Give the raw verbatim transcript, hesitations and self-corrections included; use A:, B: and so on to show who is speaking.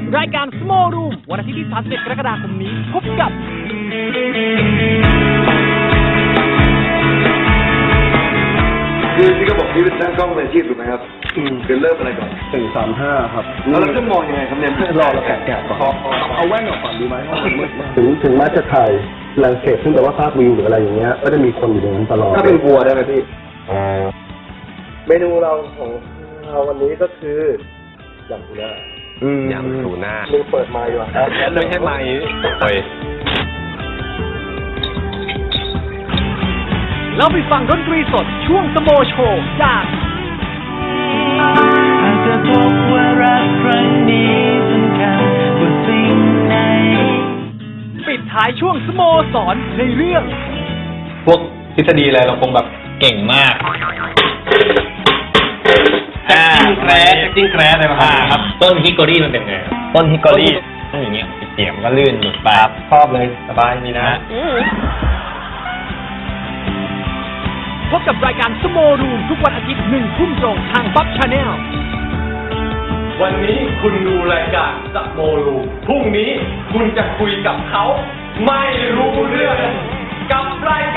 A: รายการ Small Room วันอาทิตย์ที่สามสิบเอ็ดกรกฎาคมนี้พบกับ
B: คือที่เขาบอกนี่เป็นช่างกล้องมืออาชีพถูกไหมครับคือเริ่มอะไรก่อน
C: สี่สามห้าครับ
B: แล้วเราจะมองยังไงครับเนี่ย
C: รอเราแกะแกะก่อนเอาแว่นออกก่อนดีไหมถึงถึงแม้จะถ่ายแลนด์สเคปซึ่งแปลว่าภาพวิวหรืออะไรอย่างเงี้ยก็จะมีคนอยู่ในนั้นตลอด
B: ถ้าเป็นวัวได้ไหมพี่
C: เมนูเราของเราวันนี้ก็คือยำทูน่าย
D: ำทูน่า
C: มึงเปิดไมค์ว่ะ
D: ไม่ใช่ไมค์เฮ้ย
A: แล้วไปฟังดนตรีสดช่วงสโมโชว์จาก
E: อาจจะพบว่ารักครั้งนี้สำคัญกว่าสิ่งไหน
A: ปิดท้ายช่วงสโมสรในเรื่อง
D: พวกทฤษฎีอะไรเราคงแบบเก่งมากอ่าแครสจิ้งแครสอะไรมาครับต้นฮิกโกรี่มันเป็นไงต้นฮิกโกรี่ต้องอย่างเงี้ยเสียมก็ลื่นหลุดไปชอบเลยสบายนี่นะ
A: พบกับรายการสโมรูมทุกวันอาทิตย์หนึ่งทุ่มตรงทางป๊อปชาแนล
D: วันนี้คุณดูรายการสโมรูมพรุ่งนี้คุณจะคุยกับเขาไม่รู้เรื่องกับรายการ